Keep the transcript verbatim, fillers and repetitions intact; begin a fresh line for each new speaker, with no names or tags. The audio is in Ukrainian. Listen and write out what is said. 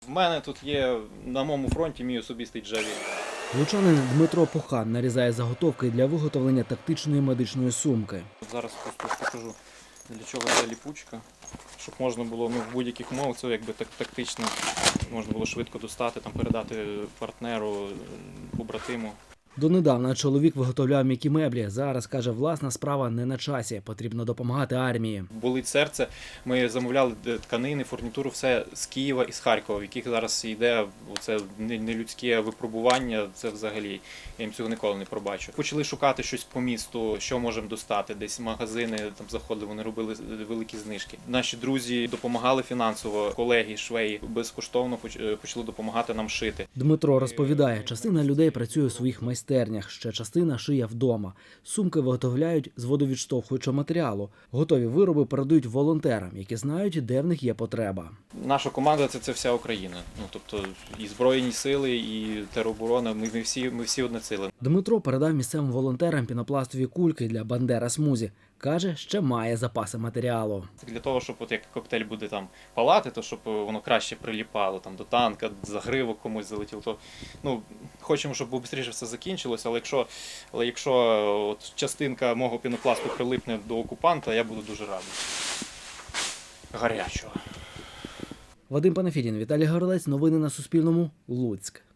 У мене тут є на моєму фронті мій особистий джавелін.
Лучанин Дмитро Похан нарізає заготовки для виготовлення тактичної медичної сумки.
Зараз просто покажу, для чого ця ліпучка, щоб можна було ну, в будь-яких умовах, це якби так тактично, можна було швидко достати, там, передати партнеру, побратиму.
Донедавна чоловік виготовляв м'які меблі. Зараз, каже, власна справа не на часі. Потрібно допомагати армії.
Болить серце. Ми замовляли тканини, фурнітуру, все з Києва і з Харкова, в яких зараз йде оце нелюдське випробування. Це взагалі, я їм цього ніколи не пробачу. Почали шукати щось по місту, що можемо достати. Десь магазини там заходили, вони робили великі знижки. Наші друзі допомагали фінансово, колеги, швеї безкоштовно почали допомагати нам шити.
Дмитро розповідає, частина людей працює у своїх майстернях. Ще частина шиє вдома. Сумки виготовляють з водовідштовхуючого матеріалу. Готові вироби передають волонтерам, які знають, де в них є потреба.
Наша команда – це, це вся Україна. Ну, тобто і Збройні сили, і тероборона, ми, ми, всі, ми всі одне ціле.
Дмитро передав місцевим волонтерам пінопластові кульки для Бандера Смузі. Каже, ще має запаси матеріалу.
Для того, щоб от як коктейль буде там палати, то щоб воно краще приліпало там до танка, загривок комусь залетіло, то ну хочемо, щоб швидше все закінчилося, але якщо, але якщо от частинка мого пінопласту прилипне до окупанта, я буду дуже радий. Гарячого.
Вадим Панафідін, Віталій Горлець. Новини на Суспільному. Луцьк.